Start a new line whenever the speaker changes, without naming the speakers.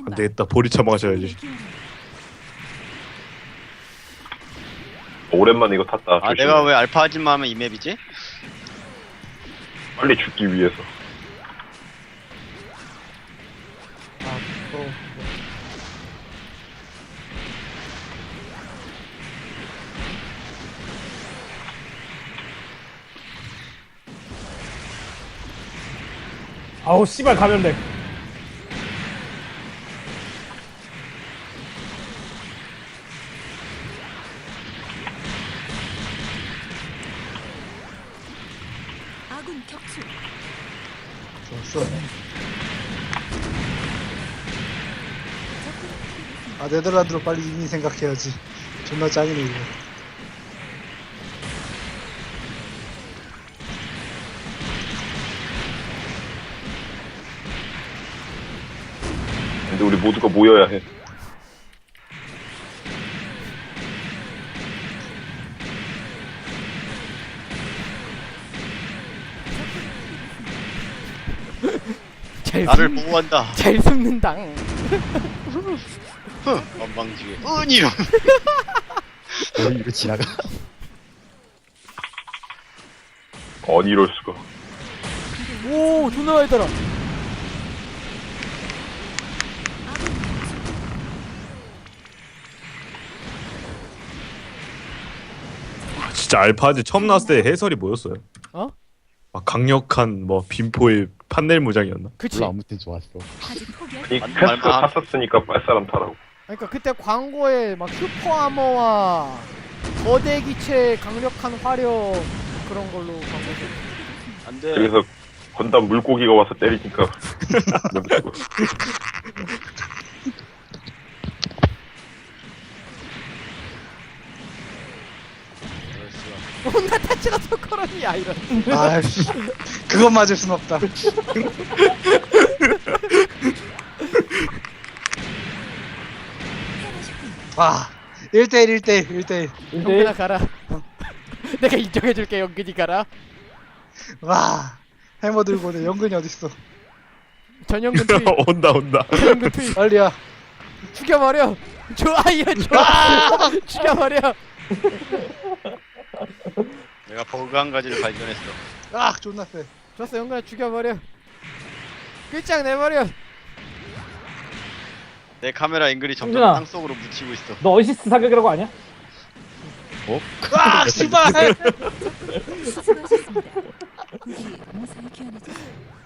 안되겠다, 보리차 마셔야지.
오랜만에 이거 탔다.
아
조심해.
내가 왜 알파 아줌마 하면 이 맵이지?
빨리 죽기 위해서.
아우 씨발 감염돼.
아군 격추.
좋았어. 아 네덜란드로 빨리 이민 생각해야지. 존나 짱이네 이거.
근데 우리 모두가 모여야 해.
나를 보호한다.
잘 숨는다.
건방지게 은이요.
이거 지나가.
아니 이럴 수가.
오 존나 많이 달아.
진짜 알파즈 처음 나왔을 때 해설이 뭐였어요?
어?
막 강력한 뭐 빈포의 판넬 무장이었나?
그치.
아무튼 좋았어.
아직 포기할
이
맞는
패스
말만.
탔었으니까 빨 사람 타라고.
그러니까 그때 광고에 막 슈퍼 아머와 거대 기체 강력한 화력 그런 걸로 광고.
안돼.
그래서 건담 물고기가 와서 때리니까. 너무 죽어.
뭔가 타치가 소코론이야 이런.
아씨 그건 맞을 순 없다. 와 1대1 1대1 1대1
영근아 가라. 내가 인정해줄게 영근이 가라.
와 해머 들고 오네. 연근이 어딨어.
전영근 투입.
온다.
전영근 투입.
빨리야.
죽여버려. 좋아 이거 좋아. 죽여버려.
내가 버그 한 가지를 발견했어.
아 존나 세.
좋았어 영근아 죽여버려. 끝장내버려.
내 카메라 앵글이 점점
형준아.
땅속으로 묻히고 있어.
너 어시스트 사격이라고 아냐?
아 씨발.
수고하셨습니다. 고기 무사히 귀환해주세요.